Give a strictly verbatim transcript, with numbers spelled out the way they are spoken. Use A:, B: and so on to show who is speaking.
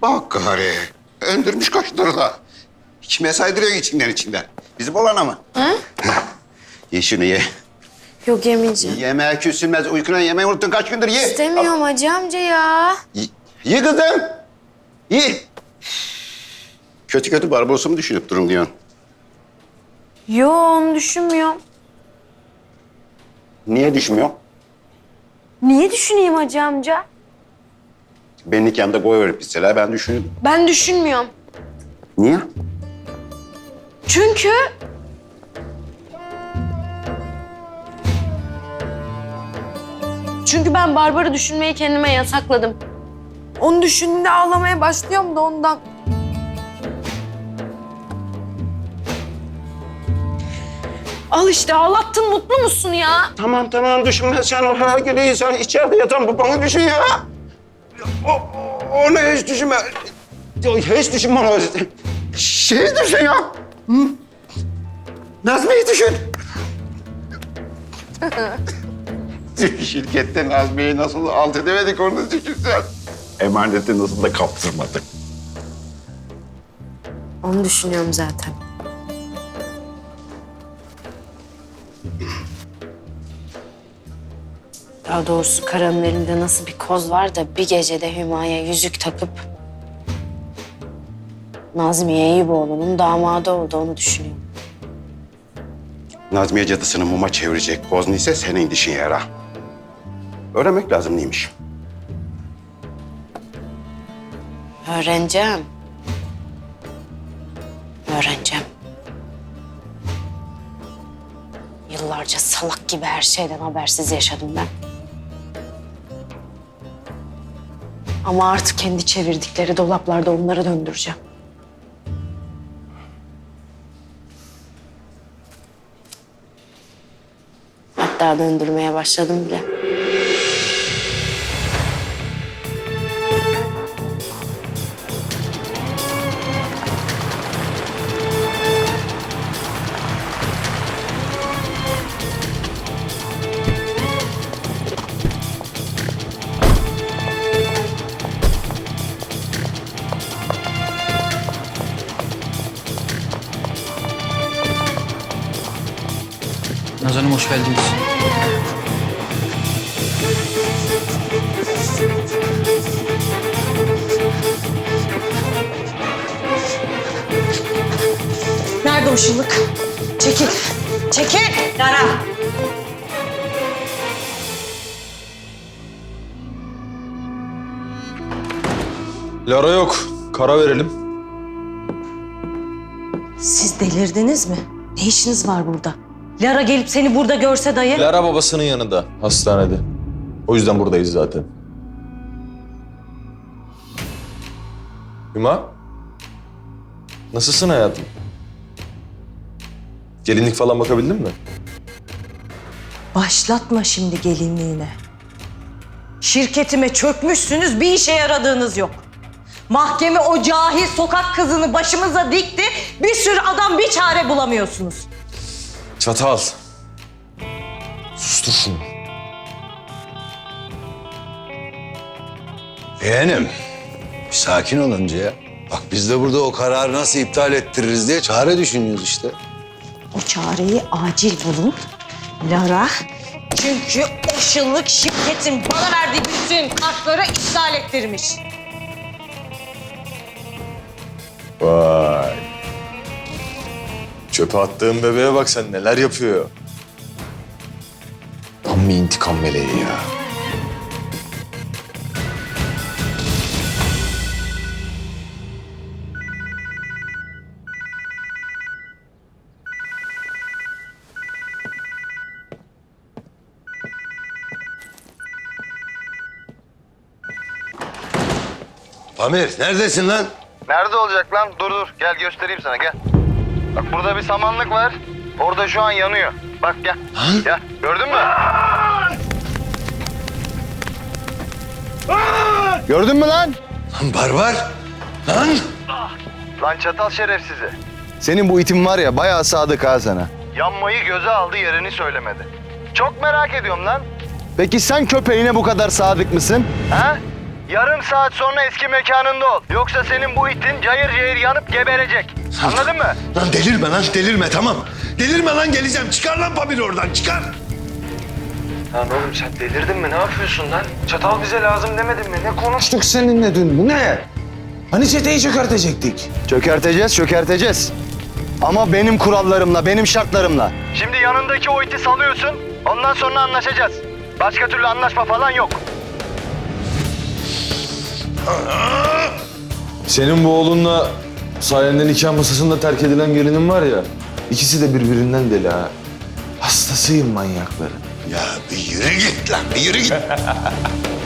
A: Ah gari. Öndürmüş koşturla. da. Kime saydırıyor içinden içinden? Bizim olana mı?
B: Ha?
A: Ye şunu ye.
B: Yok yemeyeceğim.
A: Yemeğe küsülmez. Uykuna yemeği unuttun kaç gündür ye.
B: İstemiyorum Hacı amca ya.
A: Ye, ye kızım. Ye. Kötü kötü Barbaros'u mu düşünüp durun diyorsun?
B: Yo onu düşünmüyorum.
A: Niye düşmüyor?
B: Niye düşüneyim Hacı amca?
A: Benim nikahımda boy verip bitseler ben düşünürdüm.
B: Ben düşünmüyorum.
A: Niye?
B: Çünkü... Çünkü ben Barbar'ı düşünmeyi kendime yasakladım. Onu düşündüğümde ağlamaya başlıyorum da ondan. Al işte ağlattın, mutlu musun ya?
A: Tamam tamam düşünme sen o herkese sen içeride yatan babanı düşün ya. O, o- onu hiç düşünme. Hiç düşünme onu. Şey düşün ya. Hı? Nazmi'yi düşün. Şirkette Nazmi'yi nasıl alt edemedik onu düşün sen. Emaneti nasıl da kaptırmadık.
B: Onu düşünüyorum zaten. Daha doğrusu Karan'ın elinde nasıl bir koz var da bir gecede Hüma'ya yüzük takıp Nazmiye Eyüboğlu'nun damadı oldu, onu düşünüyorum.
A: Nazmiye cadısını muma çevirecek koz ise senin dişin yara. Öğrenmek lazım neymiş.
B: Öğreneceğim. Öğreneceğim. Yıllarca salak gibi her şeyden habersiz yaşadım ben. Ama artık kendi çevirdikleri dolaplarda onları döndüreceğim. Hatta döndürmeye başladım bile.
C: Naz Hanım hoş geldiniz.
B: Nerede o şıllık? Çekil. Çekil. Lara.
D: Lara yok. Kara verelim.
E: Siz delirdiniz mi? Ne işiniz var burada? Lara gelip seni burada görse dayı.
D: Lara babasının yanında, hastanede. O yüzden buradayız zaten. Hüma? Nasılsın hayatım? Gelinlik falan bakabildin mi?
E: Başlatma şimdi gelinliğine. Şirketime çökmüşsünüz, bir işe yaradığınız yok. Mahkeme o cahil sokak kızını başımıza dikti. Bir sürü adam bir çare bulamıyorsunuz.
D: Çatal. Sustur şunu.
F: Yeğenim, bir sakin ol önce ya. Bak biz de burada o kararı nasıl iptal ettiririz diye çare düşünüyoruz işte.
E: O çareyi acil bulun. Lara, çünkü o şıllık şirketin bana verdiği bütün kartları iptal ettirmiş.
D: Vay. Çöpe attığın bebeğe bak sen neler yapıyor. Tam bir intikam meleği ya.
F: Pamir, neredesin lan?
G: Nerede olacak lan? Dur dur. Gel göstereyim sana gel. Bak burada bir samanlık var. Orada şu an yanıyor. Bak gel. Gel. Gördün mü?
F: Gördün mü lan? Lan barbar. Lan.
G: Lan çatal şerefsizi.
H: Senin bu itin var ya bayağı sadık ha sana.
G: Yanmayı göze aldı, yerini söylemedi. Çok merak ediyorum lan.
H: Peki sen köpeğine bu kadar sadık mısın?
G: Ha? yarım saat sonra eski mekanında ol. Yoksa senin bu itin cayır cayır yanıp geberecek. Anladın mı?
I: Lan delirme lan delirme tamam. Delirme lan geleceğim. Çıkar lan Pamir oradan çıkar.
J: Lan oğlum sen delirdin mi? Ne yapıyorsun lan? Çatal bize lazım demedin mi? Ne konuş?
I: Konuştuk seninle dün. Bu ne? Hani çeteyi çökertecektik?
H: Çökerteceğiz, çökerteceğiz. Ama benim kurallarımla, benim şartlarımla.
G: Şimdi yanındaki o iti salıyorsun. Ondan sonra anlaşacağız. Başka türlü anlaşma falan yok.
D: Senin bu oğlunla sayende nikah masasında terk edilen gelinin var ya, ikisi de birbirinden deli ha. Hastasıyım manyakların.
I: Ya bir yürü git lan bir yürü git.